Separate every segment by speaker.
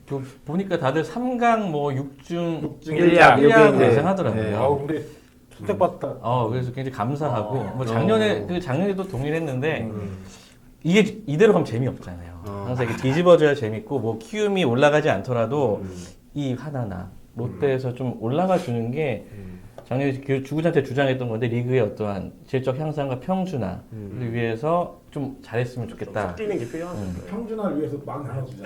Speaker 1: 보니까 다들 3강 뭐 6중
Speaker 2: 1약
Speaker 1: 예상하더라고요.
Speaker 2: 네.
Speaker 3: 우리 선택받다.
Speaker 1: 그래서 굉장히 감사하고 뭐 작년에도 동일했는데 이게 이대로 가면 재미없잖아요. 항상 이게 뒤집어져야 재밌고 뭐 키움이 올라가지 않더라도 이 하나나 롯데에서 좀 올라가 주는 게 작년에 그 주구장창 주장했던 건데 리그의 어떠한 질적 향상과 평준화를 위해서 좀 잘했으면 좋겠다.
Speaker 4: 섞이는 게 필요한 거예요.
Speaker 3: 평준화를 위해서 막 나눠주자.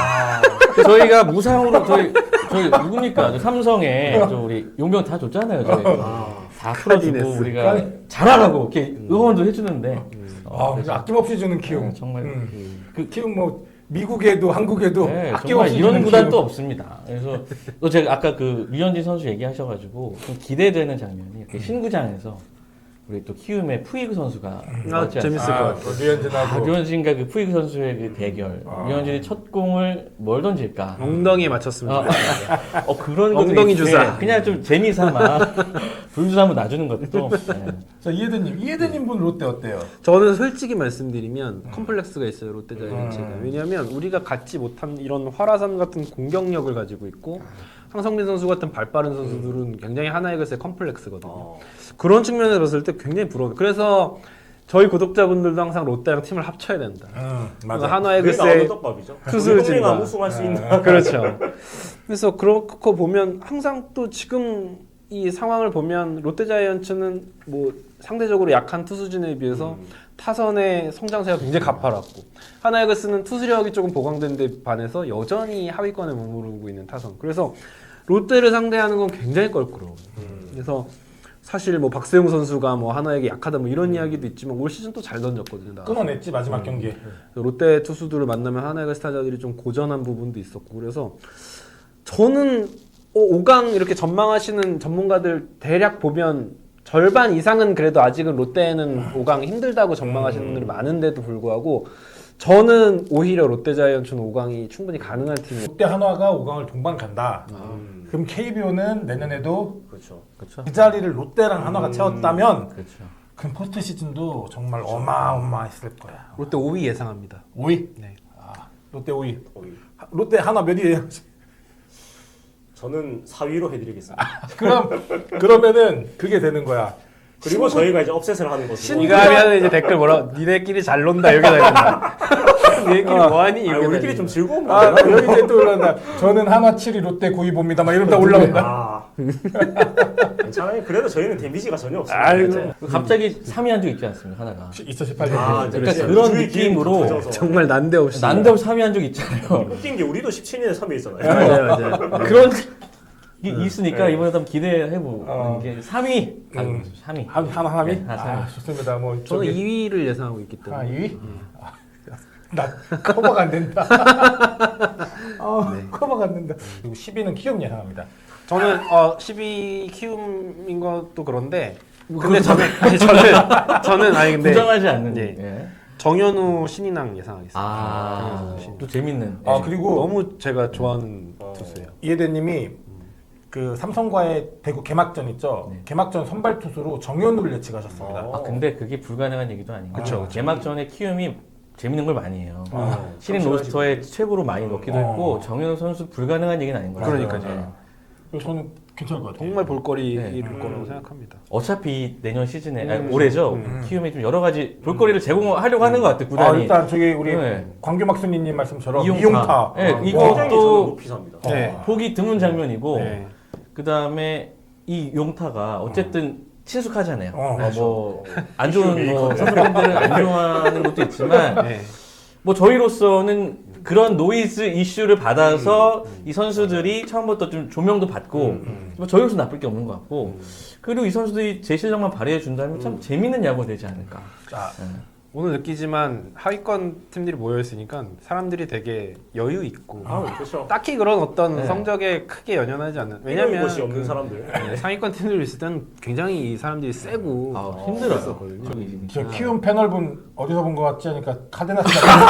Speaker 1: 저희가 무상으로 저희 누굽니까? 저 삼성에 저 우리 용병 다 줬잖아요. 저희 다 풀어주고 우리가 잘하라고 이렇게 응원도 해주는데.
Speaker 3: 아낌없이 주는 키움.
Speaker 1: 정말
Speaker 3: 그 키움 뭐 미국에도 한국에도
Speaker 1: 정말
Speaker 3: 아낌없이
Speaker 1: 이런
Speaker 3: 주는
Speaker 1: 구단도
Speaker 3: 키움.
Speaker 1: 없습니다. 그래서 또 제가 아까 그 류현진 선수 얘기하셔가지고 좀 기대되는 장면이 이렇게 신구장에서 우리 또 키움의 푸이그 선수가 왔지
Speaker 2: 재밌을 것
Speaker 1: 않습니까?
Speaker 2: 같아요.
Speaker 3: 류현진하고
Speaker 1: 류현진과 그 푸이그 선수의 그 대결. 류현진이 첫 공을 뭘 던질까?
Speaker 2: 엉덩이에 맞췄습니다.
Speaker 1: 그런 것도
Speaker 2: 엉덩이
Speaker 1: 있는데
Speaker 2: 주사.
Speaker 1: 그냥 좀 재미삼아 불주사 한번 놔주는 것도. 네.
Speaker 3: 자 이해대님 분 롯데 어때요?
Speaker 2: 저는 솔직히 말씀드리면 컴플렉스가 있어요 롯데자이언츠가. 왜냐하면 우리가 갖지 못한 이런 화라산 같은 공격력을 가지고 있고 황성민 선수 같은 발빠른 선수들은 굉장히 하나의 것의 컴플렉스거든요. 그런 측면에서 봤을 때 굉장히 부러워요. 그래서 저희 구독자분들도 항상 롯데랑 팀을 합쳐야 된다.
Speaker 3: 맞아.
Speaker 2: 하나의
Speaker 4: 그게 나오는
Speaker 2: 것의
Speaker 4: 떡밥이죠.
Speaker 2: 투수진과
Speaker 4: 우리 우승할 수 있는.
Speaker 2: 그렇죠. 그래서 그렇고 보면 항상 또 지금 이 상황을 보면 롯데자이언츠는 뭐 상대적으로 약한 투수진에 비해서 타선의 성장세가 굉장히 가파랐고 하나이글스는 투수력이 조금 보강된 데 반해서 여전히 하위권에 머무르고 있는 타선. 그래서 롯데를 상대하는 건 굉장히 껄끄러워요. 그래서 사실 뭐 박세웅 선수가 뭐 하나에게 약하다 뭐 이런 이야기도 있지만 올 시즌 또 잘 던졌거든요. 나가서.
Speaker 3: 끊어냈지 마지막 경기에.
Speaker 2: 롯데 투수들을 만나면 하나이글스 타자들이 좀 고전한 부분도 있었고 그래서 저는 5강 이렇게 전망하시는 전문가들 대략 보면 절반 이상은 그래도 아직은 롯데는 5강 힘들다고 전망하시는 분들이 많은데도 불구하고 저는 오히려 롯데자이언츠는 5강이 충분히 가능한 팀이에요.
Speaker 3: 롯데 한화가 5강을 동반 간다. 그럼 KBO는 내년에도
Speaker 4: 그렇죠.
Speaker 1: 그렇죠.
Speaker 3: 그 자리를 롯데랑 한화가 채웠다면
Speaker 1: 그렇죠.
Speaker 3: 그럼 포스트 시즌도 정말 어마어마했을 거야.
Speaker 2: 롯데 5위 예상합니다.
Speaker 3: 5위?
Speaker 2: 네.
Speaker 3: 롯데 5위.
Speaker 4: 거의.
Speaker 3: 롯데 한화 몇 위예요?
Speaker 4: 저는 4위로 해드리겠습니다.
Speaker 3: 그러면은 그게 되는 거야.
Speaker 4: 그리고 저희가 이제 업셋을 하는 거죠.
Speaker 2: 이거 하면 이제 댓글 뭐라 니네끼리 잘 논다 이렇게 달린다. 니네끼리 뭐하니? 이렇게
Speaker 4: 우리끼리 좀 즐거운
Speaker 3: 여기 이제 또 올라온다. 저는 한화 7위 롯데 9위 봅니다. 막 이러다 올라온다.
Speaker 4: 괜찮아요. 그래도 저희는 데미지가 전혀 없습니다.
Speaker 3: 아이고.
Speaker 1: 갑자기 3위 한 적 있지 않습니까? 하나가.
Speaker 3: 2018년.
Speaker 1: 그러니까 그런 느낌으로
Speaker 2: 정말 난데없이.
Speaker 1: 난데없이 3위 한 적 있잖아요.
Speaker 4: 웃긴 게 우리도 17년에 3위 있잖아요.
Speaker 2: 맞아요.
Speaker 1: 그런 게 있으니까 이번에 한번 기대해보는 게 3위. 3위.
Speaker 3: 하나 3위?
Speaker 1: 네, 하나 3위.
Speaker 3: 좋습니다. 뭐
Speaker 2: 저는 2위를 예상하고 있기 때문에.
Speaker 3: 2위? 나 커버가 안 된다. 커버가 안 된다. 그리고 10위는 키움 예상합니다.
Speaker 2: 저는 12 키움인 것도 그런데 근데 저는 아니 근데
Speaker 1: 부정하지 않는.
Speaker 2: 예.
Speaker 1: 예.
Speaker 2: 정현우 신인왕 예상하겠습니다.
Speaker 1: 또 재밌는.
Speaker 3: 그리고
Speaker 2: 너무 제가 좋아하는 투수예요.
Speaker 3: 이해대님이 그 삼성과의 대구 개막전 있죠. 개막전 선발 투수로 정현우를 예측하셨습니다.
Speaker 1: 근데 그게 불가능한 얘기도 아닌 거.
Speaker 2: 그쵸.
Speaker 1: 개막전에 키움이 재밌는 걸 많이 해요. 신인 로스터에 최고로 많이 넣기도 했고 정현우 선수 불가능한 얘기는 아닌 거예요.
Speaker 2: 그러니까요.
Speaker 3: 그래서 저는 괜찮을 것 같아요.
Speaker 2: 정말 볼거리일 거라고 생각합니다.
Speaker 1: 어차피 내년 시즌에 올해죠. 키움이 좀 여러 가지 볼거리를 제공하려고 하는 것 같아요. 구단이.
Speaker 3: 일단 저기 우리
Speaker 1: 네.
Speaker 3: 광규막순이님 말씀처럼
Speaker 1: 이용타.
Speaker 3: 이용타.
Speaker 1: 네,
Speaker 4: 굉장히 저는
Speaker 1: 이것도
Speaker 4: 높이 삽니다.
Speaker 1: 보기 드문 장면이고
Speaker 2: 네.
Speaker 1: 그 다음에 이 용타가 어쨌든 친숙하잖아요.
Speaker 3: 그렇죠.
Speaker 1: 뭐안 좋은 뭐 선수분들은 안 좋아하는 것도 있지만
Speaker 2: 네.
Speaker 1: 뭐 저희로서는 그런 노이즈 이슈를 받아서 이 선수들이 처음부터 좀 조명도 받고 뭐 저희로서 나쁠 게 없는 것 같고 그리고 이 선수들이 제 실력만 발휘해 준다면 참 재밌는 야구가 되지 않을까.
Speaker 2: 오늘 느끼지만 하위권 팀들이 모여 있으니까 사람들이 되게 여유 있고
Speaker 4: 그렇죠.
Speaker 2: 딱히 그런 어떤 성적에 크게 연연하지 않는.
Speaker 4: 왜냐면
Speaker 2: 왜냐면
Speaker 4: 것이 없는 사람들.
Speaker 2: 상위권 팀들 있을 때는 굉장히 이 사람들이 세고
Speaker 1: 힘들었거든요.
Speaker 3: 저 키움 패널분 어디서 본 것 같지 하니까 카데나스.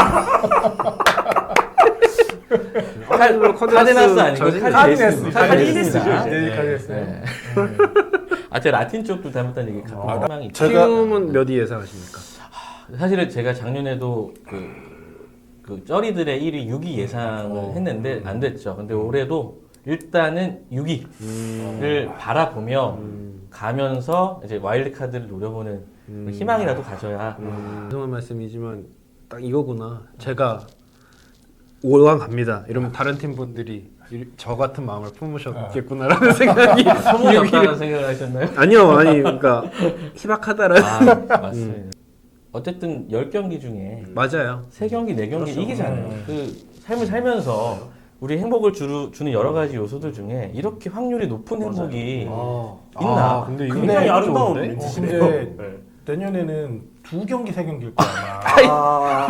Speaker 1: 카데나스 아니고
Speaker 3: 카디네스.
Speaker 1: 카디네스입니다.
Speaker 3: 네, 카디네스.
Speaker 1: 네. 제 라틴 쪽도 닮았다는 얘기 가끔 희망이 있죠.
Speaker 2: 키움은 몇 위 예상하십니까?
Speaker 1: 사실은 제가 작년에도 그 그 쩌리들의 1위 6위 예상을 했는데 안 됐죠. 근데 올해도 일단은 6위를 바라보며 가면서 이제 와일드 카드를 노려보는 희망이라도 가져야.
Speaker 2: 죄송한 말씀이지만 딱 이거구나. 제가 5강 갑니다. 이러면 다른 팀 분들이 저 같은 마음을 품으셨겠구나라는 생각이
Speaker 1: 소문이 없다는 생각을 하셨나요?
Speaker 2: 아니요, 아니 그러니까 희박하다라는.
Speaker 1: 아, 맞습니다. 어쨌든 10경기 중에
Speaker 2: 맞아요.
Speaker 1: 3경기, 4경기
Speaker 4: 그렇죠.
Speaker 1: 이기잖아요. 그 삶을 살면서 우리 행복을 주는 여러 가지 요소들 중에 이렇게 확률이 높은 행복이 있나?
Speaker 2: 근데
Speaker 3: 근데
Speaker 4: 굉장히 아름다운
Speaker 2: 좋은데?
Speaker 4: 멘트시네요.
Speaker 3: 근데
Speaker 4: 네.
Speaker 3: 내년에는 2경기 3경기일 거야 아마.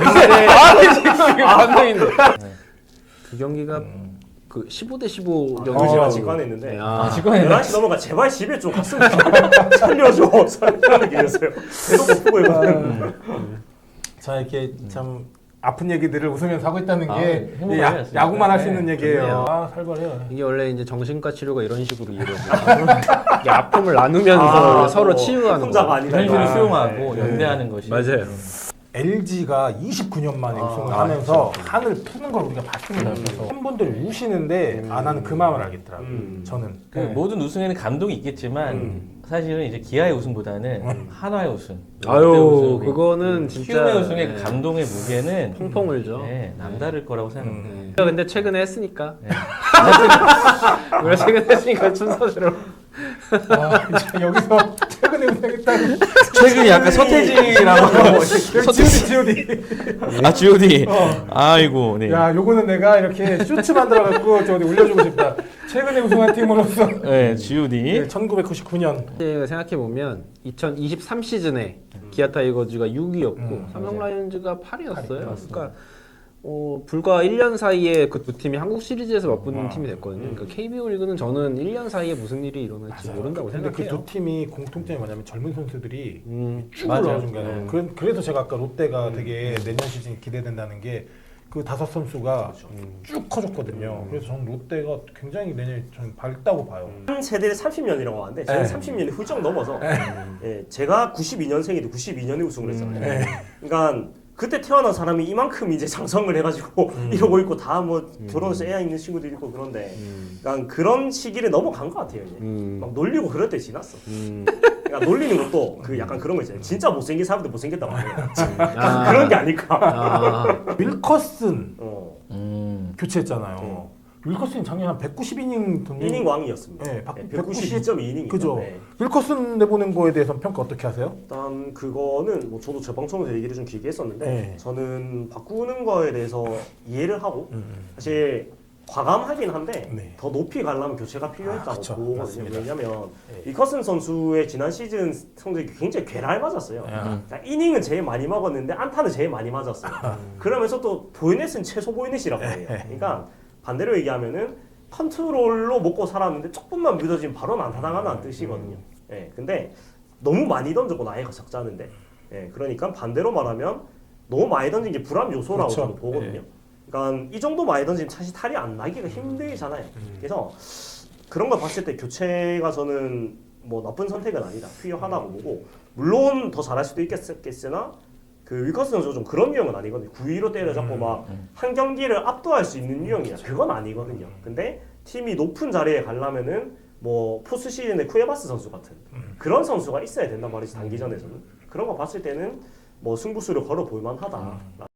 Speaker 2: 감동인데. 두 경기가 그 15대 15
Speaker 4: 아,
Speaker 2: 경기.
Speaker 4: 제가 직관했는데
Speaker 2: 네,
Speaker 1: 직관했네.
Speaker 4: 11시 넘어가 제발 집에 좀 갔으면 살려줘. 살려는 길이었어요. 계속 못 보고 있거든요.
Speaker 3: 자 이렇게 참 아픈 얘기들을 웃으면서 하고 있다는
Speaker 1: 아,
Speaker 3: 게
Speaker 1: 행복을
Speaker 3: 야,
Speaker 1: 하셨습니다.
Speaker 3: 야구만 할 수
Speaker 1: 네,
Speaker 3: 있는 얘기예요.
Speaker 2: 좋네요.
Speaker 3: 아 살벌해요.
Speaker 2: 이게 원래 이제 정신과 치료가 이런 식으로 이루어져요. 이게 아픔을 나누면서 서로 치유하는
Speaker 4: 혼자가
Speaker 2: 거.
Speaker 4: 아니다.
Speaker 1: 현실을
Speaker 4: 이거.
Speaker 1: 수용하고
Speaker 4: 네.
Speaker 1: 연대하는 것이
Speaker 2: 맞아요.
Speaker 3: LG가 29년 만에 우승을
Speaker 2: 아,
Speaker 3: 하면서 한을 푸는 걸 우리가 봤습니다. 그래서 팬분들이 우시는데 아 나는 그 마음을 알겠더라고요. 저는.
Speaker 1: 그 모든 우승에는 감동이 있겠지만 사실은 이제 기아의 우승보다는 한화의 우승, 롯데
Speaker 2: 아유,
Speaker 1: 우승,
Speaker 2: 그거는 진짜
Speaker 1: 키움의 우승의
Speaker 2: 네.
Speaker 1: 그 감동의 무게는
Speaker 2: 펑펑 울죠.
Speaker 1: 네, 남다를 거라고 생각합니다.
Speaker 2: 네. 근데 최근에 했으니까.
Speaker 1: 네.
Speaker 2: 우리가 최근에 했으니까 순서대로.
Speaker 3: 아, 이제 여기서 최근에 우승했다는
Speaker 1: 최근에 약간 서태지라고
Speaker 3: G.O.D.
Speaker 1: 아 G.O.D. 아이고 네.
Speaker 3: 야 요거는 내가 이렇게 쇼츠 만들어갖고 저 어디 올려주고 싶다. 최근에 우승한 팀으로서
Speaker 1: 네 G.O.D.
Speaker 3: 1999년
Speaker 2: 생각해 보면 2023 시즌에 기아 타이거즈가 6위였고 삼성 라이온즈가 8위였어요. 그러니까 불과 1년 사이에 그 두 팀이 한국 시리즈에서 맞붙는 팀이 됐거든요. 그러니까 KBO 리그는 저는 1년 사이에 무슨 일이 일어날지 모른다고
Speaker 3: 근데 그
Speaker 2: 생각해요.
Speaker 3: 두 팀이 공통점이 뭐냐면 젊은 선수들이 쭉
Speaker 1: 맞아요.
Speaker 3: 올라오는 거예요. 그래서 제가 아까 롯데가 되게 내년 시즌 기대된다는 게 그 5선수가 쭉 커졌거든요. 그래서 저는 롯데가 굉장히 내년에 저는 밝다고 봐요.
Speaker 4: 한 세대를 30년이라고 하는데 저는
Speaker 3: 네.
Speaker 4: 30년이 훌쩍 넘어서 예, 제가 92년생인데 92년에 우승을 했잖아요. 그러니까 그때 태어난 사람이 이만큼 이제 장성을 해가지고 이러고 있고 다 뭐 결혼해서 애 있는 친구도 있고 그런데 그러니까 그런 시기를 넘어간 것 같아요. 이제. 막 놀리고 그럴 때 지났어. 그러니까 놀리는 것도 그 약간 그런 거 있잖아요. 진짜 못생긴 사람들 못생겼다고 하네요. 그런 게 아닐까.
Speaker 2: 아,
Speaker 3: 윌커슨
Speaker 1: 음.
Speaker 3: 교체했잖아요. 윌커슨이 작년 한 190이닝 던진
Speaker 4: 1이닝 왕이었습니다.
Speaker 3: 네,
Speaker 4: 192.2이닝.
Speaker 3: 그죠. 윌커슨 내보낸 거에 대해서 평가 어떻게 하세요?
Speaker 4: 일단 그거는 뭐 저도 제 방송에서 얘기를 좀 길게 했었는데
Speaker 3: 네.
Speaker 4: 저는 바꾸는 거에 대해서 이해를 하고 사실 과감하긴 한데
Speaker 3: 네.
Speaker 4: 더 높이 가려면 교체가 필요했다고
Speaker 3: 그쵸.
Speaker 4: 보거든요.
Speaker 3: 맞습니다.
Speaker 4: 왜냐면 리커슨 선수의 지난 시즌 성적이 굉장히 괴랄 맞았어요.
Speaker 3: 음.
Speaker 4: 그러니까 이닝은 제일 많이 먹었는데 안타는 제일 많이 맞았어요. 그러면서 또 보이넷은 최소 보이넷이라고 해요. 그러니까 반대로 얘기하면은 컨트롤로 먹고 살았는데 조금만 믿어지면 바로 안타 당하는 뜻이거든요. 예, 근데 너무 많이 던졌고 나이가 적자는데, 예, 그러니까 반대로 말하면 너무 많이 던진 게 불안 요소라고
Speaker 3: 그렇죠.
Speaker 4: 저는 보거든요. 그러니까 이 정도 많이 던지면 사실 탈이 안 나기가 힘들잖아요. 그래서 그런 걸 봤을 때 교체가 저는 뭐 나쁜 선택은 아니다, 필요하다고 보고 물론 더 잘할 수도 있겠으나 그 위커스 선수가 좀 그런 유형은 아니거든요. 9위로 때려잡고 막 한 경기를 압도할 수 있는 유형이야. 그건 아니거든요. 근데 팀이 높은 자리에 가려면은 뭐 포스 시즌의 쿠에바스 선수 같은 그런 선수가 있어야 된단 말이지 단기전에서는. 그런 거 봤을 때는 뭐 승부수를 걸어 볼 만하다.